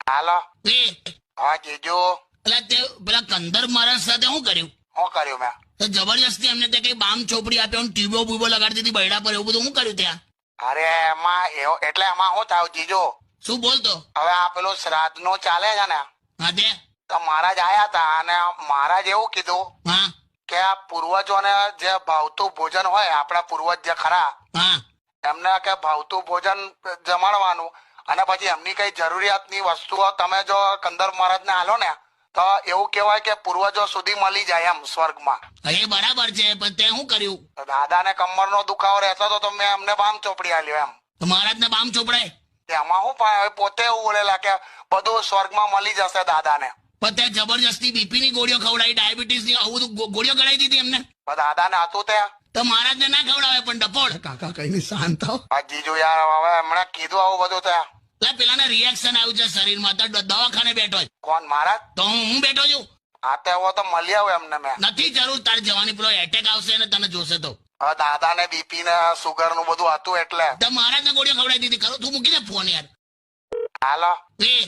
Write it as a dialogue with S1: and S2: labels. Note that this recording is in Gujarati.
S1: હાલો.
S2: એ
S1: હા જીજુ.
S2: એટલે તે પેલા કંદર મહારાજ સાથે શું કર્યું?
S1: શું કર્યું મેં?
S2: તો જબરજસ્તી એમને તે કઈ બામ ચોપડી આપ્યો, ટ્યુબો બુબો લગાડી દીધી બૈડા પર, એવું બધું શું કર્યું ત્યાં?
S1: અરે એમાં એવું એટલે એમાં શું થયું જીજુ,
S2: શું બોલતો?
S1: હવે આ પેલું શ્રાદ્ધ નું ચાલે છે ને,
S2: હા તે
S1: તો મહારાજ આયા હતા અને મહારાજ એવું કીધું
S2: હા
S1: કે આ પૂર્વજોને જે ભાવતું ભોજન હોય, આપણા પૂર્વજ જે ખરા
S2: હા
S1: એમને કે ભાવતું ભોજન જમાડવાનું, અને પછી એમની કઈ જરૂરિયાતની વસ્તુઓ તમે જો કંદર મહારાજને આલો ને તો એવું કહેવાય કે પૂર્વજો સુધી મળી જાય એમ સ્વર્ગમાં.
S2: એ બરાબર છે, પણ તે શું કર્યું?
S1: તો દાદાને કમરનો દુખાવો રહેતો હતો તો મેં એમને બામ ચોપડી આલ્યો એમ.
S2: તો મહારાજને બામ ચોપડાય?
S1: એમાં શું પણ પોતે એવું બોલેલા કે બધું સ્વર્ગમાં મળી જશે દાદાને.
S2: પણ તે જબરજસ્તી બીપી ની ગોળીઓ ખવડાવી, ડાયાબિટીસ ની આવું બધું ગોળીઓ ગળાઈ દીધી એમને.
S1: પણ દાદાને હતું ત્યાં.
S2: તો મહારાજને ના ખવડાવે પણ ડફોડ.
S3: કાકા કઈ શાંત થાવ.
S1: આ જીજુ યાર હવે એમણે કીધું આવું બધું ત્યાં.
S2: એટલે પેલાને રિએક્શન આવ્યું છે શરીરમાં, તો દવાખાને બેઠો છે.
S1: કોણ મહારાજ?
S2: તો હું બેઠો છું.
S1: આ તો એવો તો મળી આવું એમને મેં.
S2: નથી જરૂર તારે જવાની, પેલો એટેક આવશે ને તને જોશે તો.
S1: હવે દાદાને બીપી ને સુગર નું બધું હતું એટલે.
S2: તો મહારાજને ગોળીઓ ખવડાવી દીધી. ખરું તું મૂકી દે ફોન યાર.
S1: હાલો.
S2: એ